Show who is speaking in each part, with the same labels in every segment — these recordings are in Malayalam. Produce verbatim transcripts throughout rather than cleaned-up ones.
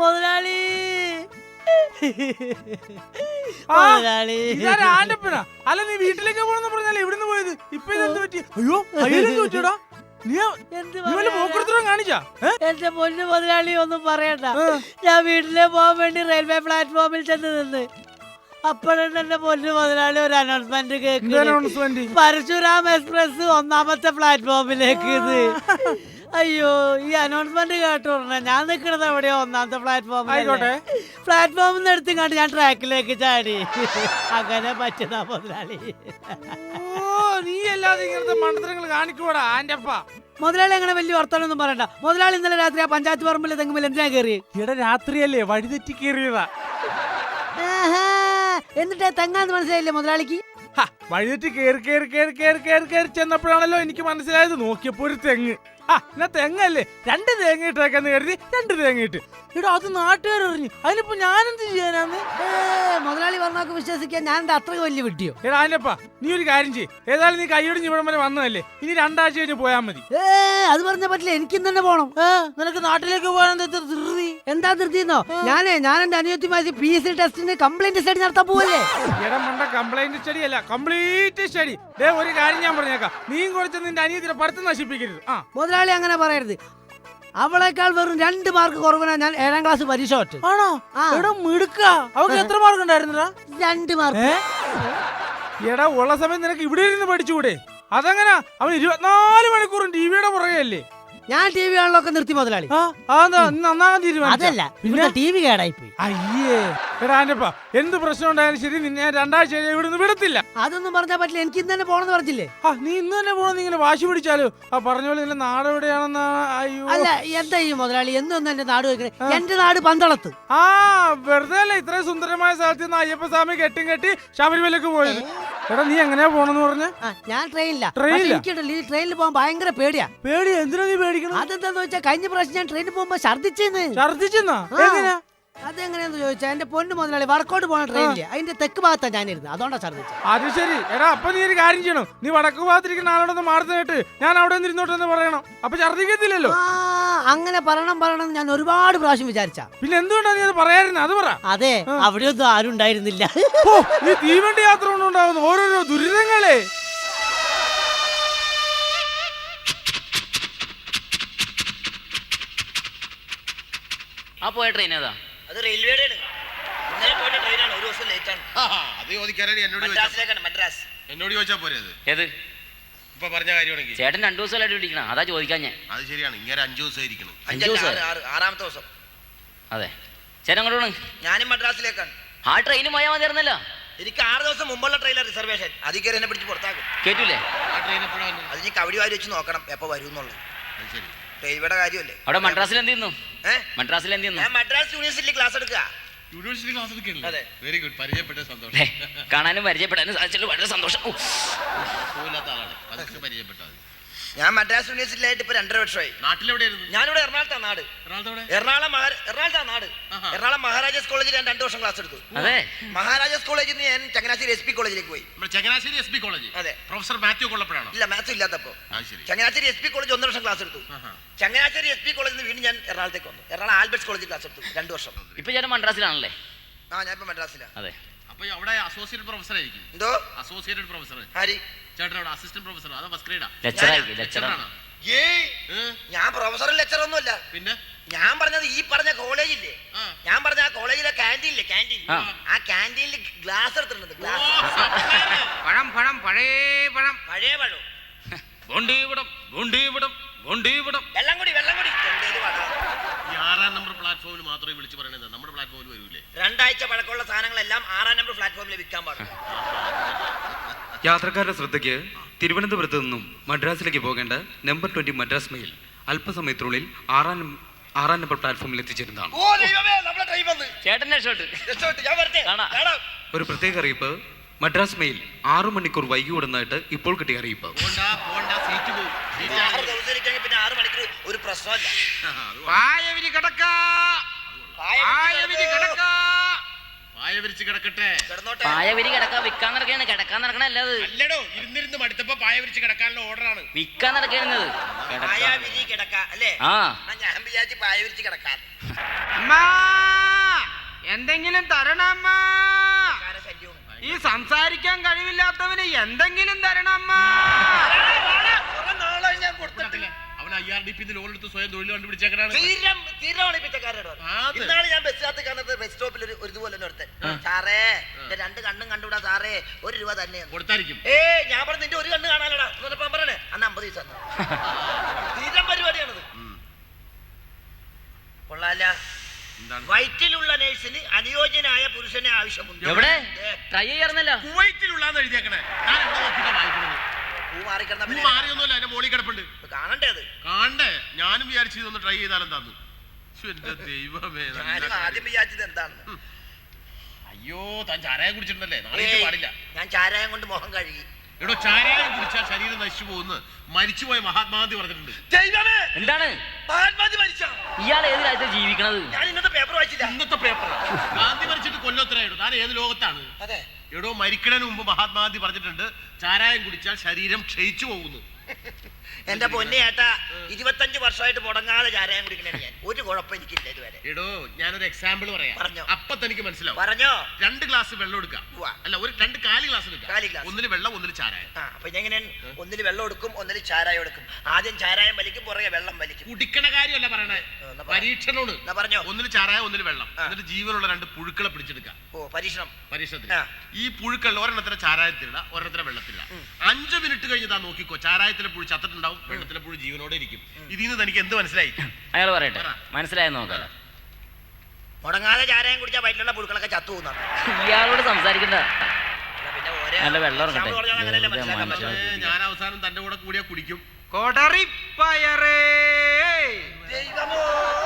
Speaker 1: മുതലാളി
Speaker 2: അല്ല നീ വീട്ടിലേക്ക് പോണെന്ന് പറഞ്ഞാൽ എവിടുന്ന് പോയത്? ഇപ്പൊ ഇതെന്ത് പറ്റി? അയ്യോ അയ്യോ പറ്റിയടാ.
Speaker 1: എന്റെ പൊന്നു മുതലാളി ഒന്നും പറയണ്ട. ഞാൻ വീട്ടിലെ പോകാൻ വേണ്ടി റെയിൽവേ പ്ലാറ്റ്ഫോമിൽ ചെന്ന് നിന്ന് അപ്പോഴാണ് എന്റെ പൊന്നു മുതലാളി ഒരു അനൗൺസ്മെന്റ് കേൾക്കുന്നത്. പരശുരാം എക്സ്പ്രസ് ഒന്നാമത്തെ പ്ലാറ്റ്ഫോമിലേക്ക്. ഇത് അയ്യോ ഈ അനൗൺസ്മെന്റ് കേട്ടോ ഞാൻ നിൽക്കണത് എവിടെയോ ഒന്നാമത്തെ പ്ലാറ്റ്ഫോമിൽ. പ്ലാറ്റ്ഫോമിൽ നിന്ന് എടുത്തും കണ്ട് ഞാൻ ട്രാക്കിലേക്ക് ചാടി. അങ്ങനെ പറ്റുന്ന മുതലാളി.
Speaker 2: നീ അല്ലാതെ ഇങ്ങനത്തെ മണ്ടത്തരങ്ങൾ കാണിക്കൂടാ ആന്റപ്പ.
Speaker 1: മുതലാളി അങ്ങനെ വലിയ വർത്തമാനൊന്നും പറയണ്ട. മുതലാളി ഇന്നലെ രാത്രി ആ പഞ്ചായത്ത് പറമ്പിൽ തെങ്ങുമ്പോൾ എന്തിനാ കയറി?
Speaker 2: ഇവിടെ രാത്രിയല്ലേ വഴിതെറ്റി കയറിയതാ.
Speaker 1: എന്നിട്ട് തെങ്ങാന്ന് മനസ്സിലായില്ലേ മുതലാളിക്ക്?
Speaker 2: വഴിതെറ്റി കയറി കയറി കയറി കയറി കയറി കയറി ചെന്നപ്പോഴാണല്ലോ എനിക്ക് മനസ്സിലായത്. നോക്കിയപ്പോ ഒരു തെങ്ങ്. ആ എന്നാ തെങ്ങല്ലേ, രണ്ട് തേങ്ങ ഇട്ടേക്കെന്ന് കരുതി രണ്ട് തേങ്ങ ഇട്ട്. എടാ അത് നാട്ടുകാരറിഞ്ഞു. അതിനിപ്പോ ഞാനെന്ത് ചെയ്യാനാന്ന്?
Speaker 1: മുതലാളി പറഞ്ഞൊക്കെ വിശ്വസിക്കാൻ ഞാൻ അത്രയ്ക്ക് വലിയ വിട്ടിയോ?
Speaker 2: എടാ അതിനപ്പാ നീ ഒരു കാര്യം ചെയ്യ്. ഏതായാലും നീ കൈയോടിഞ്ഞ് ഇവിടം വരെ വന്നതല്ലേ, ഇനി രണ്ടാഴ്ച കഴിഞ്ഞ് പോയാ മതി.
Speaker 1: ഏ അത് പറഞ്ഞ പറ്റില്ല, എനിക്ക് തന്നെ പോണം.
Speaker 2: നിനക്ക് നാട്ടിലേക്ക് പോകാൻ ധൃതി?
Speaker 1: എന്താ ധൃതിന്നോ? ഞാനേ ഞാൻ എന്റെ അനുയോജ്യമായി പി എസ് സി ടെസ്റ്റിന് കംപ്ലൈന്റ് സ്റ്റഡി നടത്താൻ പോവല്ലേ.
Speaker 2: എടാ മണ്ട കംപ്ലൈന്റ് സ്റ്റഡി അല്ല, കംപ്ലീറ്റ് സ്റ്റഡി. ദേ ഒരു കാര്യം ഞാൻ പറഞ്ഞേക്കാം, നീയും കുറച്ച് നിന്റെ അനിയത്തിന്റെ പഠിത്തം നശിപ്പിക്കരുത്. ആ
Speaker 1: മുതലാളി അങ്ങനെ പറയരുത്. അവളേക്കാൾ വെറും രണ്ട് മാർക്ക് കുറവിനാ ഞാൻ ഏഴാം ക്ലാസ് പരീക്ഷ തോറ്റ്.
Speaker 2: ആണോ? അവൾക്ക് എത്ര മാർക്ക് ഉണ്ടായിരുന്നടാ?
Speaker 1: രണ്ട് മാർക്ക്.
Speaker 2: എടാ ഉള്ള സമയം നിനക്ക് ഇവിടെ ഇരുന്ന് പഠിച്ചുകൂടെ? അതെങ്ങനാ? അവൻ ഇരുപത്തിനാല് മണിക്കൂറും ടിവിയുടെ പുറകെയല്ലേ.
Speaker 1: ഞാൻ ടി വി കാണലൊക്കെ നിർത്തി മുതലാളി.
Speaker 2: നന്നാകാൻ തീരുമാനിച്ചു.
Speaker 1: അതല്ല പിന്നെ ടി വി കേടായി പോയി.
Speaker 2: അയ്യേ എടാ ആന്റപ്പ എന്ത് പ്രശ്നം ഉണ്ടായാലും ശരി നിന്നെ രണ്ടാഴ്ച ഇവിടുന്ന് വിടത്തില്ല.
Speaker 1: അതൊന്നും പറഞ്ഞാൽ പറ്റില്ല, എനിക്ക് ഇന്ന് തന്നെ പോണെന്ന് പറഞ്ഞില്ലേ?
Speaker 2: ആ നീ ഇന്ന് തന്നെ പോണെന്ന് ഇങ്ങനെ വാശി പിടിച്ചാലോ? ആ പറഞ്ഞ പോലെ നിന്റെ നാട് എവിടെയാണെന്ന്. അയ്യോ
Speaker 1: അല്ല എന്താ ഈ മുതലാളി എന്നൊന്നും എന്റെ നാട് വെക്കണേ? എന്റെ നാട് പന്തളത്ത്.
Speaker 2: ആ വെറുതെ അല്ല ഇത്രയും സുന്ദരമായ സ്ഥലത്ത് നിന്ന് അയ്യപ്പ സ്വാമി കെട്ടും കെട്ടി ശബരിമലക്ക് പോയത്. എടാ നീ എങ്ങനെയാ പോണെന്ന് പറഞ്ഞ?
Speaker 1: ഞാൻ ട്രെയിനില്ല.
Speaker 2: ട്രെയിനില്ല
Speaker 1: ഈ ട്രെയിനിൽ പോകാൻ ഭയങ്കര പേടിയാ.
Speaker 2: പേടി? എന്തിനാ നീ പേടിക്കണം?
Speaker 1: അതെന്താന്ന് വെച്ചാൽ കഴിഞ്ഞ പ്രാവശ്യം ഞാൻ ട്രെയിനിൽ പോകുമ്പോ ഛർദിച്ചെന്ന്.
Speaker 2: ഛർദിച്ചെന്നാ? എങ്ങനെയാ?
Speaker 1: അതെങ്ങനെയാന്ന് ചോദിച്ചാ എന്റെ പൊന്നു മുതലാളി വടക്കോട്ട് പോണ ട്രെയിനില് അതിന്റെ തെക്ക് ഭാഗത്താ ഞാനിരുന്നു, അതുകൊണ്ടാ ഛർദിച്ചത്.
Speaker 2: അത് ശരി. എടാ അപ്പൊ നീ ഒരു കാര്യം ചെയ്യണം, നീ വടക്ക് ഭാഗത്തിരിക്കുന്ന ആളോടൊന്ന് മാറുന്ന കേട്ട് ഞാൻ അവിടെ ഇരുന്നോട്ടെന്ന് പറയണം. അപ്പൊ ഛർദിക്കത്തില്ലല്ലോ.
Speaker 1: അങ്ങനെ പറയണം പറയണം ഞാൻ ഒരുപാട് പ്രാവശ്യം വിചാരിച്ച.
Speaker 2: പിന്നെ എന്തുകൊണ്ടാ നീ അത് പറയാറുണ്ട്? അത് പറ.
Speaker 1: അതെ അവിടെയൊന്നും ആരും ഉണ്ടായിരുന്നില്ല.
Speaker 2: ഈ തീവണ്ടി യാത്ര കൊണ്ടുണ്ടാവുന്ന ഓരോരോ ദുരിതങ്ങളെ.
Speaker 3: ആ പോയ ട്രെയിൻ ഏതാ?
Speaker 4: അത് റെയിൽവേയുടെ ഇന്നലെ പോയ ട്രെയിനാണ്, ഒരു ദിവസം ലേറ്റ് ആണ്.
Speaker 5: അത് ചോദിക്കാനാണ് എന്നോട്
Speaker 4: മദ്രാസിലേക്കാണ്. മദ്രാസ്
Speaker 5: എന്നോട് ചോദിച്ചാ പോരെ? അത്
Speaker 3: ഏത്
Speaker 5: ഇപ്പൊ പറഞ്ഞ കാര്യമാണെങ്കിൽ
Speaker 3: ചേട്ടൻ രണ്ടു ദിവസമായിട്ട് വിളിക്കണം, അതാ ചോദിക്കാൻ ഞാൻ.
Speaker 5: അത് ശരിയാണ്, ഇങ്ങനെ അഞ്ചു ദിവസം ഇരിക്കണം.
Speaker 3: അഞ്ചു ദിവസം
Speaker 4: ആറാമത്തെ ദിവസം.
Speaker 3: അതെ ചേട്ടൻ അങ്ങോട്ട്.
Speaker 4: ഞാനും മദ്രാസിലേക്കാണ്.
Speaker 3: ആ ട്രെയിന് പോയാൽ മതിയായിരുന്നല്ലോ.
Speaker 4: എനിക്ക് ആറ് ദിവസം മുമ്പുള്ള ട്രെയിനിലെ റിസർവേഷൻ, അതിൽ കയറി എന്നെ പിടിച്ച് പുറത്താക്കും.
Speaker 3: കേട്ടില്ലേ?
Speaker 5: ആ ട്രെയിൻ എപ്പോഴാ വന്നത്?
Speaker 4: അത് ഇനി കവടി വാരി വെച്ച് നോക്കണം എപ്പോ വരും എന്നുള്ളത്.
Speaker 5: അത് ശരി.
Speaker 4: റെയിൽവേയുടെ കാര്യമല്ലേ.
Speaker 3: അവിടെ മദ്രാസിൽ എന്ത് ചെയ്യുന്നു?
Speaker 4: ഏഹ്
Speaker 3: മദ്രാസിൽ എന്ത് ചെയ്യുന്നു?
Speaker 4: ഞാൻ മദ്രാസ് യൂണിവേഴ്സിറ്റിയിൽ ക്ലാസ് എടുക്കുക.
Speaker 5: യൂണിവേഴ്സിറ്റി ക്ലാസ് എടുക്കല്ലേ?
Speaker 4: അതെ.
Speaker 5: Very good. പരിചയപ്പെട്ട സന്തോഷം.
Speaker 3: കാണാനും പരിചയപ്പെടാനും സാധിച്ചല്ലോ, വളരെ സന്തോഷം.
Speaker 5: പോലാത്ത ആളാണ്, അതൊക്കെ പരിചയപ്പെട്ടാൽ മതി.
Speaker 4: ഞാൻ മദ്രാസ് യൂണിവേഴ്സിറ്റിയിലായിട്ട് ഇപ്പൊ രണ്ടര വർഷമായി.
Speaker 5: നാട്ടിലെവിടെയായിരുന്നു?
Speaker 4: ഞാനിവിടെ എറണാകുളത്താണ് നാട്. എറണാകുളം എറണാകുളത്താണ് നാട്. എറണാകുളം മഹാരാജാസ് കോളേജിൽ ഞാൻ രണ്ടു വർഷം ക്ലാസ് എടുത്തു.
Speaker 3: അതെ.
Speaker 4: മഹാരാജാസ് കോളേജിൽ നിന്ന് ഞാൻ ചങ്ങനാശ്ശേരി എസ് പി കോളേജിലേക്ക് പോയി.
Speaker 5: Changanassery S P college? അതെ. പ്രൊഫസർ മാത്യു കൊള്ളപ്പോഴാണോ?
Speaker 4: ഇല്ല, മാത്യു ഇല്ലാത്തപ്പോ. ചങ്ങനാശ്ശേരി എസ് പി കോളേജ് ഒന്നര വർഷം ക്ലാസ് എടുത്തു. ചങ്ങനാശ്ശേരി എസ് പി കോളേജിൽ നിന്ന് വീണ്ടും ഞാൻ എറണാകുളത്തേക്ക് വന്നു. എറണാകുളം ആൽബർട്ട്സ് കോളേജിൽ ക്ലാസ് എടുത്തു രണ്ടു വർഷം.
Speaker 3: ഇപ്പൊ ഞാൻ മദ്രാസിലാണല്ലേ?
Speaker 4: ആ ഞാൻ ഇപ്പൊ മദ്രാസിലാണ്.
Speaker 3: അതെ.
Speaker 5: അപ്പൊ അവിടെ അസോസിയേറ്റ് പ്രൊഫസർ ആയിരിക്കും.
Speaker 4: എന്തോ
Speaker 5: അസോസിയേറ്റ് പ്രൊഫസർ?
Speaker 4: ആര്?
Speaker 5: ചേട്ടൻ അവിടെ അസിസ്റ്റന്റ് പ്രൊഫസർ അതോ ഫസ്റ്റ് ഗ്രേഡാ?
Speaker 3: ലെക്ചറായിരിക്കും. ലെക്ചറാണ്.
Speaker 4: ഞാൻ പ്രൊഫസറും ലെക്ചർ ഒന്നുമല്ല. പിന്നെ ഞാൻ പറഞ്ഞത് ഈ പറഞ്ഞ കോളേജില്ലേ, ഞാൻ പറഞ്ഞ ആ കോളേജിലെ ക്യാൻറ്റീനില്ലേ, ക്യാൻറ്റീൻ, ആ ക്യാൻറ്റീനിൽ ഗ്ലാസ് എടുത്തിട്ടുണ്ട്. ഗ്ലാസ്
Speaker 6: പഴം പഴം പഴയ പഴം
Speaker 4: പഴയ പഴം
Speaker 5: ഗോണ്ടീവിടം ഗോണ്ടീവിടം ഗോണ്ടീവിടം
Speaker 4: വെള്ളം കൂടി വെള്ളം കൂടി
Speaker 5: ഈ ആറാം നമ്പർ പ്ലാറ്റ്ഫോമിൽ മാത്രമേ വിളിച്ചു പറയണത്, നമ്മുടെ പ്ലാറ്റ്ഫോമിൽ വരൂലേ?
Speaker 4: രണ്ടാഴ്ച പഴക്കമുള്ള സാധനങ്ങളെല്ലാം ആറാം നമ്പർ പ്ലാറ്റ്ഫോമിൽ വിൽക്കാൻ പാടില്ല.
Speaker 7: യാത്രക്കാരുടെ ശ്രദ്ധയ്ക്ക് തിരുവനന്തപുരത്ത് നിന്നും മദ്രാസിലേക്ക് പോകേണ്ട നമ്പർ ട്വന്റി മദ്രാസ് മെയിൽ അല്പസമയത്തിനുള്ളിൽ ആറാം ആറാം നമ്പർ പ്ലാറ്റ്ഫോമിൽ എത്തിച്ചേരുന്നതാണ്. ഒരു പ്രത്യേക അറിയിപ്പ്. മദ്രാസ് മെയിൽ ആറു മണിക്കൂർ വൈകി ഓടുന്നതായിട്ട് ഇപ്പോൾ കിട്ടിയ അറിയിപ്പ്.
Speaker 4: ഒരു പ്രശ്നമല്ല.
Speaker 3: പായവരി കിടക്കാ വിൽക്കാൻ നടക്കാണ്, കിടക്കാൻ നടക്കണ അല്ലാതെ.
Speaker 5: അല്ലടോ, ഇരുന്നിരുന്ന് മടുത്തപ്പോ പായ വിരിച്ച് കിടക്കാനുള്ള ഓർഡറാണ്.
Speaker 3: വിൽക്കാൻ നടക്കുന്നത്.
Speaker 4: പായ വിരി കിടക്ക അല്ലേ?
Speaker 3: ആ
Speaker 4: ഞാൻ വിചാരിച്ച് പായ വിരിച്ച് കിടക്കാൻ.
Speaker 6: അമ്മാ എന്തെങ്കിലും തരണം അമ്മാ.
Speaker 4: ശല്യവും
Speaker 6: ഈ സംസാരിക്കാൻ കഴിവില്ലാത്തവന് എന്തെങ്കിലും തരണം അമ്മാ.
Speaker 4: നാളെ ഞാൻ കൊടുത്തിട്ടില്ല.
Speaker 5: അവൻ I R D P loan എടുത്ത് സ്വയം തൊഴിൽ കണ്ടുപിടിച്ചേക്കനാണ്.
Speaker 4: തീരം തീരമാണ് പിച്ചക്കാരോട്.
Speaker 5: അത്.
Speaker 4: ഇന്നാണ് ഞാൻ ബസ്സിനകത്ത് കാണുന്നത്, ബസ് സ്റ്റോപ്പിൽ ഒരു ഒരു ഇതുപോലെ ഒരുത്തൻ. സാറേ എന്റെ രണ്ട് കണ്ണും കണ്ടുവിടാ സാറേ, ഒരു രൂപ തന്നെയാണ്
Speaker 5: കൊടുത്തായിരിക്കും.
Speaker 4: ഏ ഞാൻ പറഞ്ഞ നിന്റെ ഒരു കണ്ണ് കാണാനടാ എന്നപ്പോ പറയണേ. അന്ന് അമ്പത് ദിവസം തീരം പരിപാടിയാണത്. കൊള്ളാല.
Speaker 5: എന്താണ്?
Speaker 4: വയറ്റിലുള്ള നേഴ്സിന് അനുയോജ്യനായ പുരുഷനെ ആവശ്യമുണ്ട്.
Speaker 3: എവിടെ ട്രൈ ചെയ്യാറുന്നല്ലോ.
Speaker 5: കുവൈറ്റിലുള്ളാന്ന് എഴുതിയേക്കണേ. ഞാൻ എവിടെ നോക്കിട്ടാ വായിക്കുന്നത്?
Speaker 4: പൂ മാറിക്കിടന്ന
Speaker 5: പൂ മാറിയൊന്നുമല്ല, എന്റെ മോളിൽ കിടപ്പുണ്ട്.
Speaker 4: കാണണ്ടേ അത്?
Speaker 5: കാണണ്ടേ? ഞാനും വിചാരിച്ചു ഇതൊന്ന് ട്രൈ ചെയ്താലും തന്നു. എന്റെ ദൈവമേ, നല്ല
Speaker 4: ഞാനും
Speaker 5: കാര്യം.
Speaker 4: ആദ്യം വിചാരിച്ചത് എന്താണ്,
Speaker 5: അയ്യോ താൻ ചാരായം കുടിച്ചിട്ടുണ്ടല്ലേ? നാളെ
Speaker 4: ഏയ്,
Speaker 5: പാടില്ല.
Speaker 4: ഞാൻ ചാരായം കൊണ്ട് മുഖം കഴുകി.
Speaker 5: എടോ, ചാരായം കുടിച്ചാൽ ശരീരം നശിച്ചു പോകുന്നു മരിച്ചുപോയ മഹാത്മാഗാന്ധി പറഞ്ഞിട്ടുണ്ട്.
Speaker 4: ദൈവമേ,
Speaker 3: എന്താണ്
Speaker 4: മഹാത്മാജി മരിച്ചോ?
Speaker 3: ഇയാൾ ഏത് രാജ്യത്ത് ജീവിക്കണത്?
Speaker 4: ഞാൻ ഇന്നത്തെ പേപ്പർ വായിച്ചില്ല.
Speaker 5: ഇന്നത്തെ പേപ്പർ ഗാന്ധി മരിച്ചിട്ട് കൊല്ലത്തിലായിടോ. താൻ ഏത് ലോകത്താണ്?
Speaker 4: അതെ,
Speaker 5: എടോ, മരിക്കണതിന് മുമ്പ് മഹാത്മാഗാന്ധി പറഞ്ഞിട്ടുണ്ട് ചാരായം കുടിച്ചാൽ ശരീരം ക്ഷയിച്ചു പോകുന്നു.
Speaker 4: എന്റെ പൊന്നെ ഏട്ടാ, ഇരുപത്തഞ്ച് വർഷമായിട്ട് മുടങ്ങാതെ ചാരായം കുടിക്കണേ ഞാൻ. ഒരു കുഴപ്പം എനിക്കില്ല ഇതുവരെ.
Speaker 5: എടോ, ഞാനൊരു എക്സാമ്പിൾ പറയാം.
Speaker 4: പറഞ്ഞോ.
Speaker 5: അപ്പൊ തനിക്ക് മനസ്സിലാവും.
Speaker 4: പറഞ്ഞോ.
Speaker 5: രണ്ട് ഗ്ലാസ് വെള്ളം എടുക്കാം.
Speaker 4: ഉവ്വ.
Speaker 5: അല്ല, ഒരു രണ്ട് കാലി ഗ്ലാസ് എടുക്കാം.
Speaker 4: കാലി ഗ്ലാസ്.
Speaker 5: ഒന്നിന് വെള്ളം, ഒന്നിന് ചാരായം.
Speaker 4: ആ അപ്പൊ ഇതെങ്ങനെ? ഒന്നില് വെള്ളം എടുക്കും, ഒന്നില് ചാരായം എടുക്കും. ആദ്യം ചാരായം വലിക്കും, പുറകെ വെള്ളം വലിക്കും.
Speaker 5: കുടിക്കണ കാര്യമല്ല പറയണേ,
Speaker 4: എന്നാ പറ.
Speaker 5: പരീക്ഷണോട്.
Speaker 4: എന്നാ പറഞ്ഞോ.
Speaker 5: ഒന്നിന് ചാരായം, ഒന്നിന് വെള്ളം.
Speaker 4: ആ.
Speaker 5: എന്നിട്ട് ജീവനുള്ള രണ്ട് പുഴുക്കളെ പിടിച്ചെടുക്കാം.
Speaker 4: ഓ പരീക്ഷണം.
Speaker 5: പരീക്ഷണത്തിന്
Speaker 4: ആ.
Speaker 5: ഈ പുഴുക്കൾ ഒരെണ്ണത്തിനെ ചാരായത്തിലിട, ഒരെണ്ണത്തിനെ വെള്ളത്തിലിട. അഞ്ചു മിനിറ്റ് കഴിഞ്ഞ് താൻ നോക്കിക്കോ, ചാരായത്തിലെ പുഴു ചത്തിട്ടുണ്ടാവും, വെള്ളത്തിലെ പുഴു ജീവനോടെ ഇരിക്കും. ഇതിൽ നിന്ന് തനിക്ക് എന്ത് മനസ്സിലായി?
Speaker 3: അയാൾ പറയട്ടെ, മനസ്സിലായെന്ന് നോക്കാം.
Speaker 4: മുടങ്ങാതെ ചാരായം കുടിച്ചാൽ വയറ്റിലുള്ള പുഴുക്കളൊക്കെ ചത്തു പോകുന്ന.
Speaker 3: ഇയാളോട് സംസാരിക്കണ്ട.
Speaker 4: പിന്നെ ഓരോ
Speaker 3: നല്ല വെള്ളം ഇറങ്ങട്ടെ.
Speaker 4: example പറഞ്ഞാൽ അങ്ങനെയല്ലേ
Speaker 3: വെറുതെ
Speaker 4: മനസ്സിലാക്കാൻ
Speaker 3: മനുഷ്യനെ
Speaker 4: പറ്റുള്ളൂ.
Speaker 5: പക്ഷേ ഞാൻ അവസാനം തന്റെ കൂടെ കൂടിയാ കുടിക്കും.
Speaker 6: കൊടറിപ്പയറേ
Speaker 4: ദൈവമോ,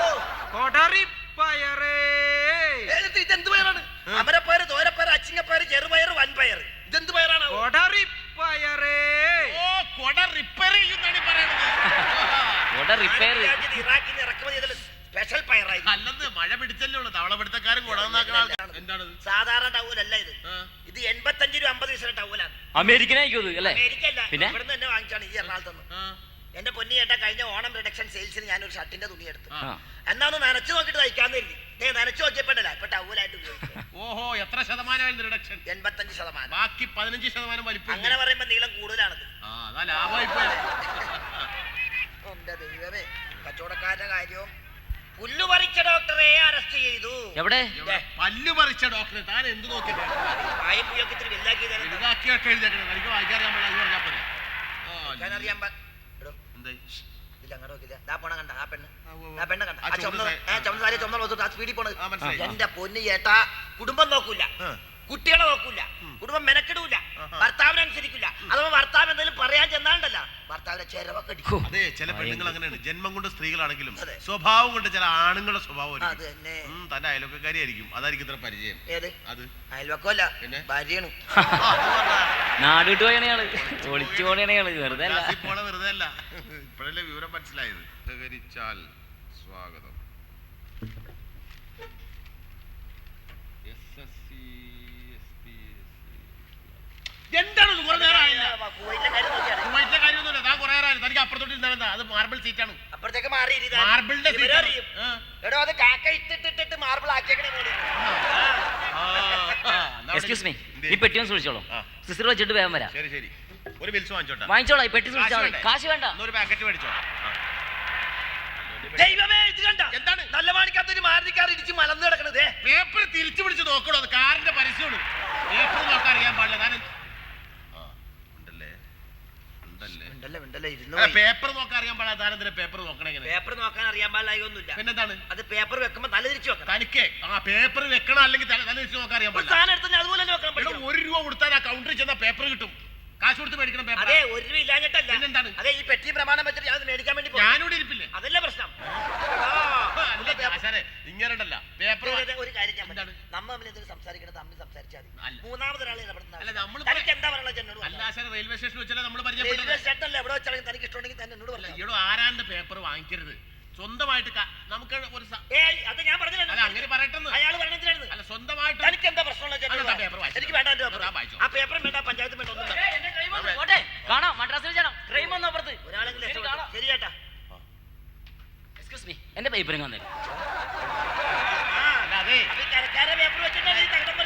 Speaker 6: കൊടറിപ്പയറേ.
Speaker 4: ഏത് ഇതെന്ത് പയറാണ്? അമരപ്പയറ്, തോരപ്പയറ്, അച്ചിങ്ങപ്പയറ്, ചെറുപയറ്, വൻപയറ്. ഇതെന്ത് പയറാണ്?
Speaker 6: കൊടറിപ്പയറേ.
Speaker 5: ഓ, കൊട റിപ്പയർ ചെയ്യുന്നാണ് പറയണത്.
Speaker 3: ഇവിടെ റിപ്പയർ.
Speaker 4: ഇറാഖിൽ നിന്ന് ഇറക്കുമതി ചെയ്തത് സ്പെഷ്യൽ പയറായി.
Speaker 5: അല്ലെന്ന് മഴ പിടിച്ചല്ലേ ഉള്ളു, തവള പിടുത്തക്കാരും കുടന്നാക്കണ ആൾക്കാർ. എന്താണ്
Speaker 4: സാധാരണ ടൗലല്ല ഇത്.
Speaker 5: ആ.
Speaker 4: ഇത് എൺപത്തഞ്ച് രൂപ അമ്പത് പൈസ ടൗലാണ്.
Speaker 3: അമേരിക്കനായിക്കോ അല്ലേ?
Speaker 4: അമേരിക്കല്ല,
Speaker 3: പിന്നെ
Speaker 4: ഇവിടുന്ന് തന്നെ വാങ്ങിച്ചാണ് ഈ എറണാകുളത്ത്.
Speaker 5: ആ.
Speaker 4: എന്റെ പൊന്നി ചേട്ടാ, കഴിഞ്ഞ ഓണം റിഡക്ഷൻ സെയിൽസിന് ഞാനൊരു ഷർട്ടിന്റെ തുണി എടുത്തു.
Speaker 5: ആ.
Speaker 4: എന്നാ ഒന്ന് നനച്ചു നോക്കിട്ട് തയ്ക്കാന്ന് കരുതി. ഞാൻ നനച്ചു നോക്കിയപ്പോഴല്ല ഇപ്പൊ ടൗലായിട്ട് ഉപയോഗിച്ചു.
Speaker 5: ഓഹോ, എത്ര ശതമാനമായിരുന്നു റിഡക്ഷൻ?
Speaker 4: എൺപത്തഞ്ച് ശതമാനം.
Speaker 5: ബാക്കി പതിനഞ്ച് ശതമാനം വലിപ്പം.
Speaker 4: അങ്ങനെ പറയുമ്പോ നീളം കൂടുതലാണത്.
Speaker 5: ആ, അതാ ലാഭമായി പോയത്.
Speaker 4: എന്റെ ദൈവമേ, കച്ചവടക്കാരുടെ കാര്യവും. പുല്ലു പറിച്ച ഡോക്ടറെ അറസ്റ്റ് ചെയ്തു.
Speaker 3: എവിടെ?
Speaker 5: എവിടെ? പല്ലു പറിച്ച ഡോക്ടറെ താൻ എന്ത് നോക്കിയത്?
Speaker 4: വായും പുയൊക്കെ ഇത്തിരി വലുതാക്കി തരാം.
Speaker 5: എഴുതാക്കിയൊക്കെ എഴുതിയേക്കണം. എനിക്ക് വായിക്കാറിയാൻ പാടില്ല, അത് പറഞ്ഞാൽ പോലെ.
Speaker 4: അറിയാൻ എടോ
Speaker 5: എന്തായി?
Speaker 4: ഇല്ല, അങ്ങോട്ട് നോക്കില്ല. ദാ പോണ കണ്ട ആ പെണ്ണ്,
Speaker 5: ആ, ഉവ്വ് ഉവ്വ്.
Speaker 4: ആ പെണ്ണ് കണ്ട
Speaker 5: ആ
Speaker 4: ആ ചുമന്ന
Speaker 5: ചുമന്ന
Speaker 4: ഏ, ചുമന്ന സാരി, ചുമന്ന വസ്തു, ആ സ്പീഡിൽ പോണത്.
Speaker 5: ആ, മനസ്സിലായി.
Speaker 4: എന്റെ പൊന്നു ചേട്ടാ, കുടുംബം നോക്കൂല,
Speaker 5: ആ.
Speaker 4: കുട്ടികളെ നോക്കൂല, കുടുംബം മെനക്കെടൂല,
Speaker 5: ആഹാ.
Speaker 4: ഭർത്താവിനനുസരിക്കില്ല. അഥവാ ഭർത്താവ് എന്തെങ്കിലും പറയാൻ ചെന്നാണ്ടല്ല, ഭർത്താവിനെ ചെലവൊക്കെ അടിക്കും.
Speaker 5: അതെ, ചില പെണ്ണുങ്ങൾ അങ്ങനെയാണ്. ജന്മം കൊണ്ട് സ്ത്രീകളാണെങ്കിലും
Speaker 4: അതെ.
Speaker 5: സ്വഭാവം കൊണ്ട് ചില ആണുങ്ങളുടെ സ്വഭാവം
Speaker 4: അത്
Speaker 5: ആയിരിക്കും.
Speaker 4: തന്നെ.
Speaker 5: ഉം, തന്റെ അയൽവക്കാരിയായിരിക്കും, അതായിരിക്കും ഇത്ര പരിചയം.
Speaker 4: ഏത്
Speaker 5: അത്
Speaker 4: അയൽവക്കമല്ല,
Speaker 5: പിന്നെ?
Speaker 4: ഭാര്യയാണ്.
Speaker 3: നാട് വിട്ട് പോയണ ആള്, ഒളിച്ചു പോണ ആള്, വെറുതെ അല്ല.
Speaker 5: ക്ലാസ്സിൽ പോണ വെറുതെ അല്ല. ഇപ്പോഴല്ലേ വിവരം മനസ്സിലായത്. സഹകരിച്ചാൽ സ്വാഗതം. എന്താണ് കുറെ നേരം ആയില്ല?
Speaker 4: കുവൈറ്റിലെ കാര്യം നോക്കിയാണ്.
Speaker 5: കുവൈറ്റിലെ കാര്യമൊന്നുമില്ല, താൻ കുറെ നേരം ആയില്ല. തനിക്ക് അപ്പുറത്തോട്ട് ഇരുന്നാ അത് മാർബിൾ സീറ്റാണ്.
Speaker 4: അപ്പുറത്തേക്ക് മാറി ഇരുതാ.
Speaker 5: മാർബിളിന്റെ
Speaker 4: ഇവരെ
Speaker 5: സീറ്റാണ്.
Speaker 4: അറിയും.
Speaker 5: ആ.
Speaker 4: എടോ, അത് കാക്ക ഇട്ടിട്ടിട്ട് മാർബിൾ ആക്കിയേക്കണേ മോളിൽ.
Speaker 5: ആ, ആ, എന്നാ
Speaker 3: എക്സ്ക്യൂസ് മീ,
Speaker 5: എന്ത്?
Speaker 3: ഈ പെട്ടി ഒന്ന് സൂക്ഷിച്ചോളൂ.
Speaker 5: ആ.
Speaker 3: സിസ്റ്റർ വെച്ചിട്ട് വേഗം വരാം.
Speaker 5: ശരി ശരി, ഒരു ബിൽസ് വാങ്ങിച്ചോട്ടെ.
Speaker 3: വാങ്ങിച്ചോളാം, ഈ പെട്ടി സൂക്ഷിച്ചാൽ മതി.
Speaker 5: വേണ്ടേ?
Speaker 3: കാശ് വേണ്ട.
Speaker 5: എന്നൊരു പാക്കറ്റ് മേടിച്ചോ. ആ.
Speaker 4: ദൈവമേ, ഇത് കണ്ട
Speaker 5: എന്താണ്?
Speaker 4: നല്ല മാണിക്കാത്തൊരു മാരുതിക്കാർ ഇടിച്ച് മലന്ന് കിടക്കണത്.
Speaker 5: പേപ്പർ തിരിച്ചു പിടിച്ച് നോക്കണോ? അത് കാറിന്റെ പരസ്യമാണ്. പേപ്പർ നോക്കാൻ അറിയാൻ പാടില്ല. ഞാൻ ആ, ഉണ്ടല്ലേ ഉണ്ടല്ലേ
Speaker 4: ഉണ്ടല്ലേ ഉണ്ടല്ലേ ഇരുന്ന്
Speaker 5: അല്ല, പേപ്പർ നോക്കാൻ അറിയാൻ പാടില്ല. താനെന്തിനാ പേപ്പർ നോക്കണേ? എങ്ങനെ?
Speaker 4: പേപ്പർ നോക്കാൻ അറിയാൻ പാടില്ല.
Speaker 5: പിന്നെന്താണ്?
Speaker 4: അത് പേപ്പർ വെക്കുമ്പോ തല തിരിച്ചു വെക്കണം.
Speaker 5: തനിക്ക് ആ പേപ്പർ വെക്കണം, അല്ലെങ്കിൽ തല തല തിരിച്ച് നോക്കാൻ അറിയാൻ
Speaker 4: ഒരു
Speaker 5: പാടില്ല.
Speaker 4: സാധനം എടുത്ത് അതുപോലെ തന്നെ വെക്കണം.
Speaker 5: എടോ,
Speaker 4: പഠിക്കണം.
Speaker 5: ഒരു രൂപ കൊടുത്താൽ ആ കൗണ്ടറിൽ ചെന്ന പേപ്പർ കിട്ടും. കാശ് കൊടുത്ത് മേടിക്കണം പേപ്പർ.
Speaker 4: അതെ, ഒരു രൂപ ഇല്ലാഞ്ഞിട്ടല്ല.
Speaker 5: പിന്നെന്താണ്?
Speaker 4: അതെ, ഈ പെട്ടി പ്രമാണം വെച്ചിട്ട് ഞാൻ മേടിക്കാൻ വേണ്ടി പോയി.
Speaker 5: ഞാനിവിടെ ഇരിപ്പില്ലേ?
Speaker 4: അതല്ല പ്രശ്നം.
Speaker 5: അല്ല, ആശാനെ, ഇങ്ങനെയുണ്ടല്ല പേപ്പർ.
Speaker 4: ഒരു കാര്യം ഞാൻ
Speaker 5: എന്താണ്?
Speaker 4: പറയാം. നമ്മ തമ്മിൽ എന്തെങ്കിലും സംസാരിക്കണം, തമ്മിൽ സംസാരിച്ചാൽ മതി.
Speaker 5: അല്ല.
Speaker 4: മൂന്നാമതൊരാളെ ഇടപെടുന്ന
Speaker 5: അല്ല, നമ്മള്
Speaker 4: തനിക്ക് എന്താ പറയുള്ളത് എന്നോട്
Speaker 5: അല്ല
Speaker 4: പറഞ്ഞാ.
Speaker 5: ആശാനെ, റെയിൽവേ സ്റ്റേഷനിൽ വെച്ചാൽ നമ്മൾ
Speaker 4: റെയിൽവേ
Speaker 5: പരിചയപ്പെട്ടത്.
Speaker 4: സ്റ്റേഷനല്ല, എവിടെ വെച്ചാണെങ്കിൽ തനിക്ക് ഇഷ്ടമുണ്ടെങ്കിൽ തന്നെ എന്നോട്
Speaker 5: അല്ല,
Speaker 4: പറഞ്ഞു.
Speaker 5: ഈടോ ആരാന്റെ പേപ്പർ വാങ്ങിക്കരുത്. സ്വന്തമായിട്ട് ക- നമുക്ക് ഒരു സ-
Speaker 4: ഏയ്, അത് ഞാൻ പറഞ്ഞില്ല.
Speaker 5: അല്ല, അങ്ങനെ പറയട്ടെന്ന്.
Speaker 4: അയാൾ പറഞ്ഞിട്ടാണ്.
Speaker 5: അല്ല, സ്വന്തമായിട്ട്
Speaker 4: തനിക്ക് എന്താ പ്രശ്നമുള്ള
Speaker 5: അല്ല, ആ പേപ്പർ വായിച്ചോ.
Speaker 4: എനിക്ക് വേണ്ട. എന്റെ
Speaker 5: ആ,
Speaker 4: പേപ്പർ.
Speaker 5: വായിച്ചോ.
Speaker 4: ആ പേപ്പറും വേണ്ട, പഞ്ചായത്തും വേണ്ട, ഒന്നും വേണ്ട.
Speaker 3: പോട്ടെ, കാണാം. മദ്രാസിൽ ചേരാം. ട്രെയിൻ വന്നു അപ്പുറത്ത്.
Speaker 4: ഒരാളെങ്കിലും
Speaker 3: ശരി,
Speaker 4: രക്ഷപ്പെട്ടു.
Speaker 3: കാണാം.
Speaker 4: ശരി ചേട്ടാ.
Speaker 3: എക്സ്ക്യൂസ് മീ, എന്റെ പേപ്പറും വന്നേക്കാം.
Speaker 4: പേപ്പർ വെച്ചിട്ടാണ് ഈ തകിടം